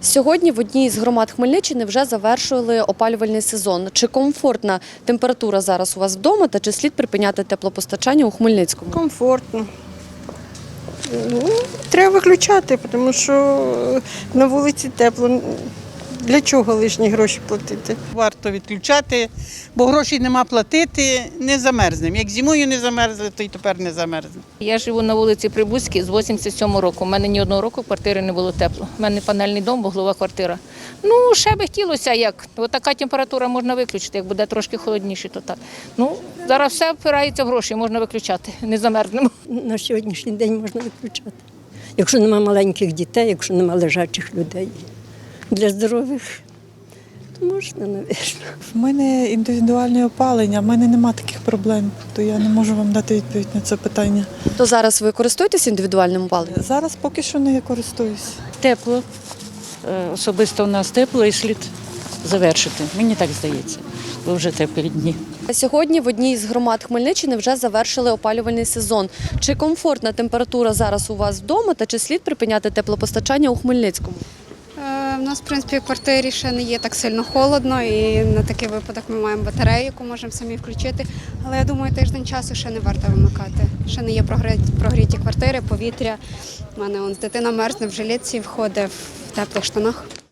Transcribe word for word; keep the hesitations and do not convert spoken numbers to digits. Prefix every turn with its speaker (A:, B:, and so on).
A: Сьогодні в одній з громад Хмельниччини вже завершили опалювальний сезон. Чи комфортна температура зараз у вас вдома та чи слід припиняти теплопостачання у Хмельницькому?
B: Комфортно. Ну, треба виключати, тому що на вулиці тепло. Для чого лишні гроші платити?
C: Варто відключати, бо грошей нема платити, не замерзнемо. Як зимою не замерзли, то й тепер не замерзнемо.
D: Я живу на вулиці Прибузькій з вісімдесят сьомого року. У мене ні одного року в квартирі не було тепло. У мене панельний дом, вуглова квартира. Ну, ще би хотілося, як. Ось така температура можна виключити, як буде трошки холодніше, то так. Ну, зараз все впирається в гроші, можна виключати, не замерзнемо.
E: На сьогоднішній день можна виключати. Якщо нема маленьких дітей, якщо нема лежачих людей. Для здорових, то можна, навірно.
F: В мене індивідуальне опалення, в мене немає таких проблем, то я не можу вам дати відповідь на це питання.
A: То зараз ви користуєтесь індивідуальним опаленням?
F: Зараз поки що не користуюсь.
G: Тепло. Е, Особисто у нас тепло і слід завершити. Мені так здається, бо вже теплі дні.
A: Сьогодні в одній з громад Хмельниччини вже завершили опалювальний сезон. Чи комфортна температура зараз у вас вдома та чи слід припиняти теплопостачання у Хмельницькому?
H: У нас, в принципі, в квартирі ще не є так сильно холодно, і на такий випадок ми маємо батарею, яку можемо самі включити. Але я думаю, тиждень часу ще не варто вимикати. Ще не є прогріті квартири, повітря. У мене он, дитина мерзне в жилетці, входить в теплих штанах.